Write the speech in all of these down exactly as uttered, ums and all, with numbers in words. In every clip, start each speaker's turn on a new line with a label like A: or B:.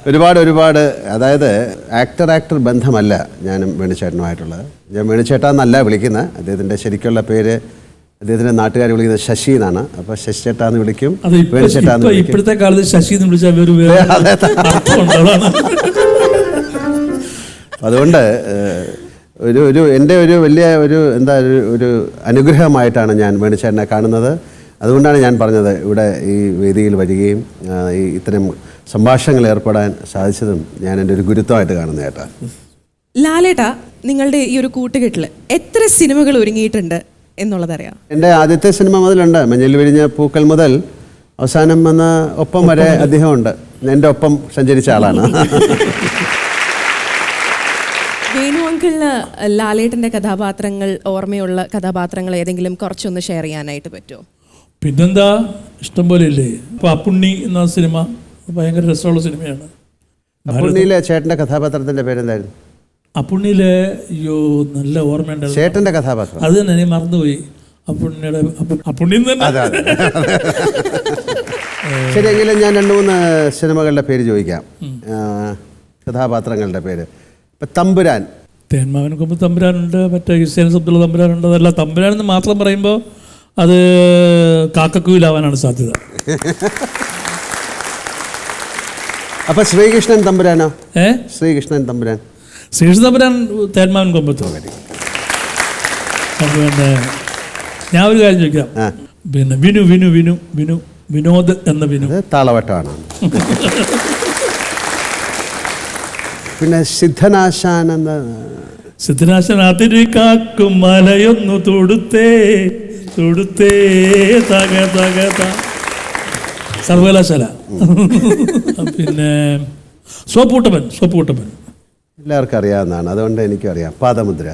A: ഒരുപാട് ഒരുപാട് അതായത് ആക്ടർ ആക്ടർ ബന്ധമല്ല ഞാനും വേണുചേട്ടനുമായിട്ടുള്ളത്. ഞാൻ വേണുചേട്ടാ എന്നല്ല വിളിക്കുന്നത്. അദ്ദേഹത്തിൻ്റെ ശരിക്കുള്ള പേര് അദ്ദേഹത്തിൻ്റെ നാട്ടുകാർ വിളിക്കുന്നത് ശശി എന്നാണ്. അപ്പോൾ ശശി ചേട്ടാ എന്ന് വിളിക്കും, വേണുചേട്ടാ എന്ന് വിളിക്കും.
B: ഇപ്പോഴത്തെ കാലത്ത് ശശി എന്ന് വിളിച്ചാൽ
A: അതുകൊണ്ട് ഒരു ഒരു എൻ്റെ ഒരു വലിയ ഒരു എന്താ ഒരു ഒരു അനുഗ്രഹമായിട്ടാണ് ഞാൻ വേണുചേട്ടനെ കാണുന്നത്. അതുകൊണ്ടാണ് ഞാൻ പറഞ്ഞത് ഇവിടെ ഈ വേദിയിൽ വരികയും ഈ ഇത്തരം സംഭാഷണങ്ങൾ ഏർപ്പെടാൻ സാധിച്ചതും ഞാൻ എൻ്റെ ഒരു ഗുരുത്വമായിട്ട് കാണുന്ന ചേട്ടാ.
C: ലാലേട്ടാ, നിങ്ങളുടെ ഈ ഒരു കൂട്ടുകെട്ടിൽ എത്ര സിനിമകൾ ഒരുങ്ങിയിട്ടുണ്ട് എന്നുള്ളതറിയാം?
A: എൻ്റെ ആദ്യത്തെ സിനിമ മുതലുണ്ട്. മഞ്ഞിൽ വിരിഞ്ഞ പൂക്കൾ മുതൽ അവസാനം വന്ന ഒപ്പം വരെ അദ്ദേഹമുണ്ട്. എൻ്റെ ഒപ്പം സഞ്ചരിച്ച ആളാണ്.
C: വേണു അങ്കിളിന് ലാലേട്ടൻ്റെ കഥാപാത്രങ്ങൾ, ഓർമ്മയുള്ള കഥാപാത്രങ്ങൾ ഏതെങ്കിലും കുറച്ചൊന്ന് ഷെയർ ചെയ്യാനായിട്ട് പറ്റുമോ?
B: പിന്നെന്താ, ഇഷ്ടം പോലെ ഇല്ലേ. അപ്പോൾ അപ്പുണ്ണി എന്ന സിനിമ ഭയങ്കര രസമുള്ള സിനിമയാണ്.
A: അപ്പുണ്ണിയിലെ ചേട്ടൻ്റെ കഥാപാത്രത്തിൻ്റെ പേരെന്തായിരുന്നു?
B: അപ്പുണ്ണിയിലെ അയ്യോ നല്ല ഓർമ്മയുണ്ടായിരുന്നു.
A: ചേട്ടൻ്റെ കഥാപാത്രം
B: അത് തന്നെ ഞാൻ മറന്നുപോയി. അപ്പുണ്ണിയുടെ അപ്പുണ്ണി
A: ശരി. എങ്കിലും ഞാൻ രണ്ട് മൂന്ന് സിനിമകളുടെ പേര് ചോദിക്കാം, കഥാപാത്രങ്ങളുടെ പേര്. ഇപ്പം തമ്പുരാൻ,
B: തേന്മാവൻ കൊമ്പ് തമ്പുരാനുണ്ട്, മറ്റേ ഹുസൈൻ അബ്ദുള്ള തമ്പുരാനുണ്ട്. അതല്ല, തമ്പുരാൻ എന്ന് മാത്രം പറയുമ്പോൾ അത് കാക്കക്കുയിലാവാനാണ് സാധ്യത.
A: അപ്പൊ ശ്രീകൃഷ്ണൻ തമ്പുരാനോ?
B: ഏ
A: ശ്രീകൃഷ്ണൻ തമ്പുരാൻ
B: ശ്രീകൃഷ്ണൻ തമ്പുരാൻ തേന്മാവൻ കൊമ്പത്തോ. പിന്നെ ഞാൻ ഒരു കാര്യം ചോദിക്കാം. പിന്നെ വിനു വിനു വിനു വിനു വിനോദ് എന്ന വിനു
A: താളവട്ടമാണ്. പിന്നെ സിദ്ധനാശാൻ എന്ന
B: സിദ്ധനാശൻ അതിരി കാക്കും മലയൊന്നു തൊടുത്തേ തൊടുത്തേ തക തക സർവകലാശാല. പിന്നെ സോപ്പൂട്ടപ്പൻ സോപ്പൂട്ടപ്പൻ
A: എല്ലാവർക്കും അറിയാവുന്നതാണ്, അതുകൊണ്ട് എനിക്കും അറിയാം. പാദമുദ്ര.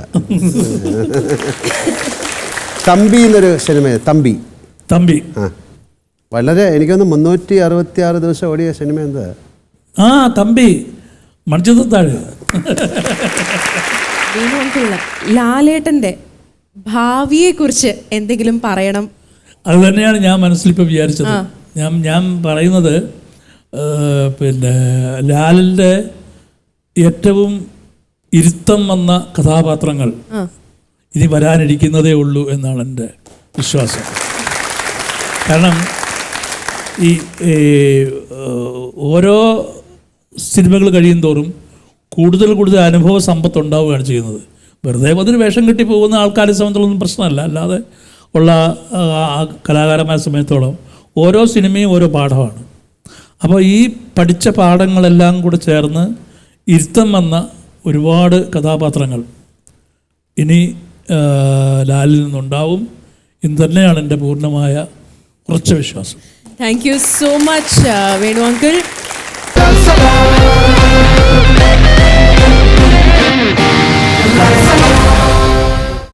A: തമ്പി എന്നൊരു സിനിമ. തമ്പി
B: തമ്പി
A: ആ വളരെ എനിക്കൊന്ന് മുന്നൂറ്റി അറുപത്തി ആറ് ദിവസം ഓടിയ സിനിമ. എന്താ
B: ആ തമ്പി മണിച്ചിത്രത്താഴ്.
C: ലാലേട്ടൻ്റെ ഭാവിയെക്കുറിച്ച് എന്തെങ്കിലും പറയണം.
B: അത് തന്നെയാണ് ഞാൻ മനസ്സിലിപ്പോൾ വിചാരിച്ചത്. ഞാൻ ഞാൻ പറയുന്നത് പിന്നെ ലാലിൻ്റെ ഏറ്റവും ഇരുത്തം വന്ന കഥാപാത്രങ്ങൾ ഇനി വരാനിരിക്കുന്നതേ ഉള്ളൂ എന്നാണ് എൻ്റെ വിശ്വാസം. കാരണം ഈ ഓരോ സിനിമകൾ കഴിയും തോറും കൂടുതൽ കൂടുതൽ അനുഭവ സമ്പത്ത് ഉണ്ടാവുകയാണ് ചെയ്യുന്നത്. വെറുതെ അതിന് വേഷം കെട്ടി പോകുന്ന ആൾക്കാരെ സംബന്ധിച്ചുള്ളൊന്നും പ്രശ്നമല്ല. അല്ലാതെ ഉള്ള കലാകാരന്മാരെ സമയത്തോളം ഓരോ സിനിമയും ഓരോ പാഠമാണ്. അപ്പോൾ ഈ പഠിച്ച പാഠങ്ങളെല്ലാം കൂടെ ചേർന്ന് ഇരുത്തം വന്ന ഒരുപാട് കഥാപാത്രങ്ങൾ ഇനി ലാലിൽ നിന്നുണ്ടാവും എന്ന് തന്നെയാണ് എൻ്റെ പൂർണ്ണമായ ഉറച്ച വിശ്വാസം.
C: Thank you so much Venu uncle.